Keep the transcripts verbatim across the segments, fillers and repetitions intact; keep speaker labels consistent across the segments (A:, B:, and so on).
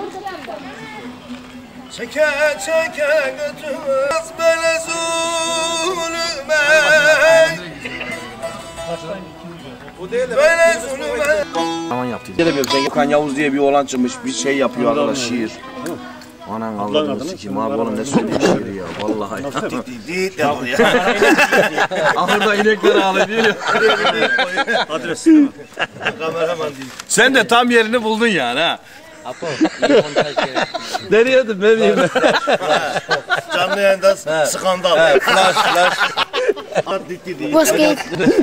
A: Çeke çeke götürmez böyle zulüme. Böyle zulüme.
B: Aman yaptı. Sen Gökhan Yavuz diye bir oğlan çıkmış, bir şey yapıyor arkadaş, şiir. Anan Allah'ını sikeyim abi, oğlum ne söylüyor şiiri ya, vallahi.
A: Değil yapıyor ya.
B: Ahırda inekler ağlıyor diyor.
A: Adres değil mi? Kameraman değil.
B: Sen de tam yerini buldun yani ha.
C: Apo, iyi montaj gerek.
B: Nereye de ne diyeyim?
A: Canlı yayında skandal.
B: Flash flash.
A: Dikti değil.
D: Bozkurt.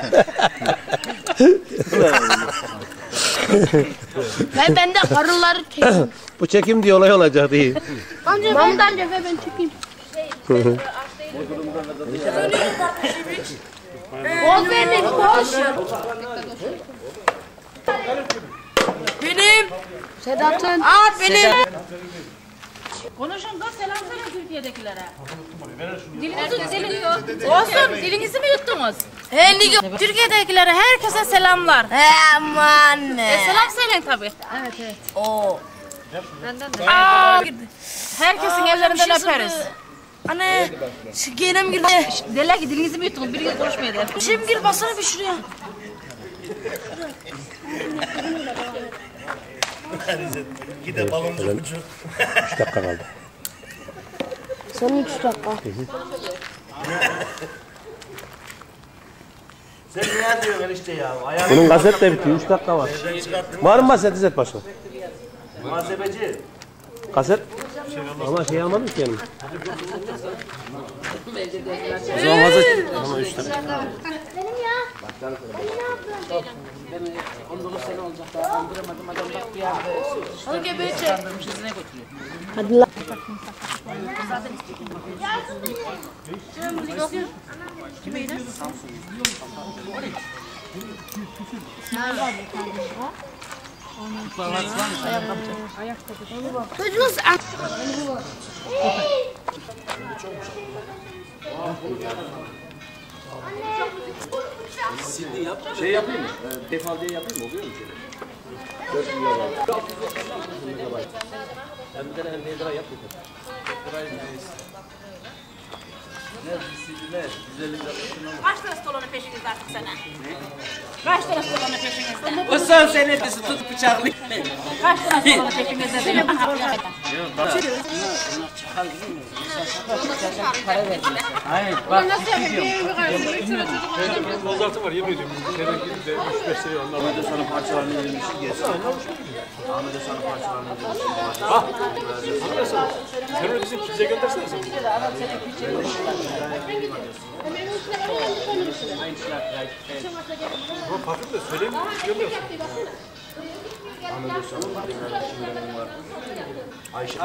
D: Ben bende karıları çekeyim.
E: Bu çekim diye olay olacak değil.
D: Amca Mahmut amca ve ben çekeyim. Boz verdik, boz.
F: Benim.
D: Sedat'ın.
F: Aa benim.
G: Konuşun da selam söyle Türkiye'dekilere. Dilinizi dilin. Olsun, dilinizi mi yuttunuz?
F: He Nigo. Türkiye'dekilere herkese selamlar.
G: He aman.
F: E, selam söyleyin tabii.
G: Evet evet.
F: Oo.
G: Benden de.
F: Aa.
G: Herkesin
F: Aa,
G: ellerinden
F: bir şey
G: öperiz.
F: sızdı. Anne, şekerim girdi.
G: Derler ki dilinizi mi yuttunuz? Biri konuşmaya der.
F: Şimdi gir basana bir şuraya.
A: Gide baloncu ucu.
E: üç dakika kaldı.
D: Son üç dakika.
A: Sen niye diyorsun enişte ya?
E: Bunun gazet de bitiyor, üç dakika var. Var mı gazet İzzet Paşa?
A: Muhasebeci.
E: Kaset? Ama şey almadım ki yanım.
B: O zaman hazır. Ama üç tane.
D: Benim ya.
G: on dokuz sene olacak daha kandıramadım adam bak bir yerde.
F: Hadi gel böyle çek.
G: Kandırmış izine götürüyor.
D: Hadi lan. Duydunuz.
B: Şey yapayım mı? Defal diye yapayım mı? Oluyor mu şöyle? dört milyon var. Ben bir tane elli lira yap yeter.
G: Kaç tane stolonu peşinizde artık sana? Kaç tane stolonu peşinizde?
C: O son senetesi tut bıçaklı.
G: Kaç tane stolonu peşinizde benim?
C: Hayır bak.
E: Bozartı var, yemin ediyorum. üç beş liraya onlar.
B: Ahmet'e sana parçalarını verilmişsin gelsin. Ahmet'e sana parçalarını verilmişsin.
E: Ah! Sen öyle bizim bize göndersene sen. Ama farklı da söyleyeyim mi? Görmüyorsun.
B: Ahmet'e sana parçalarını var. Ayşe.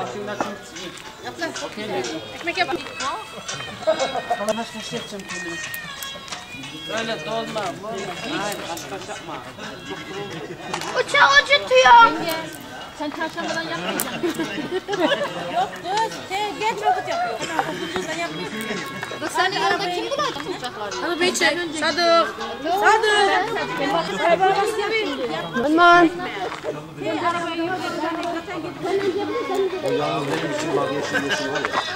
G: Ekmek yapalım.
C: Bana kaç kaç yapacağım kendimi. Öyle dolma. Hayır kaç kaç yapma.
D: Uçağı acıtıyor.
G: Sen çarşambadan yapmayacaksın.
F: Yok kız, sen geç vakit yapıyorsun. Sen yapmıyorsun.
D: Kız sen yanında kim bulacak uçakları?
F: Hadi bir çek. Sadık. Sadık.
D: Aman.
B: O yalnız benim için vazgeçim yeşil var ya.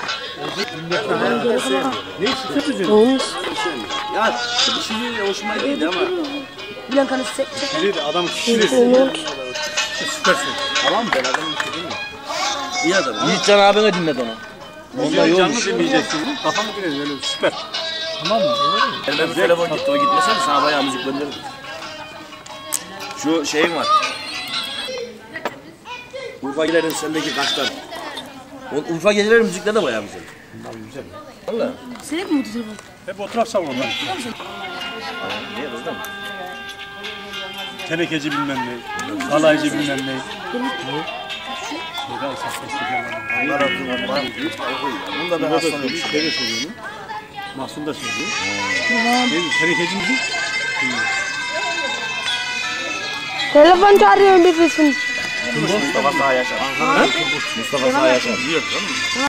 E: Ne için?
D: Olmuş.
B: Ya şimdi hoşuma gitti ama.
D: Blankanı çek.
E: Biri de adam kişilesin. Süpersin.
B: Tamam ben adamı istediğim mi? İyi adam. Yiğitcan abine dinlet onu. Onda
E: Canlı
B: yokmuş.
E: dinleyeceksin. Kafamı dinleyin öyle süper. Tamam mı?
B: Ben bu telefon gitti, o gitmeseydi sana bayağı müzik gönderirdim. Şu şeyin var. Urfa Geceler'in sendeki kaşlar. O Urfa Geceler'in müzikleri de bayağı güzel.
E: Bunlar güzel.
B: Valla.
D: Senin mi bu telefon?
E: Hep o taraf savunma.
B: Niye kızdım?
E: Tenekeci bilmem ne. Halaycı bilmem ne. Şeyde esas destekler.
B: Onlar atıyor, onlar atıyor. Bunu da ben aslanıyorum.
E: Şöyle söylüyorum. Mahsun da söylüyor. Değil mi? Tenekeci misin?
D: Telefon çağırıyor birisini.
B: Mustafa Sağ Yaşar. Mustafa Sağ Yaşar.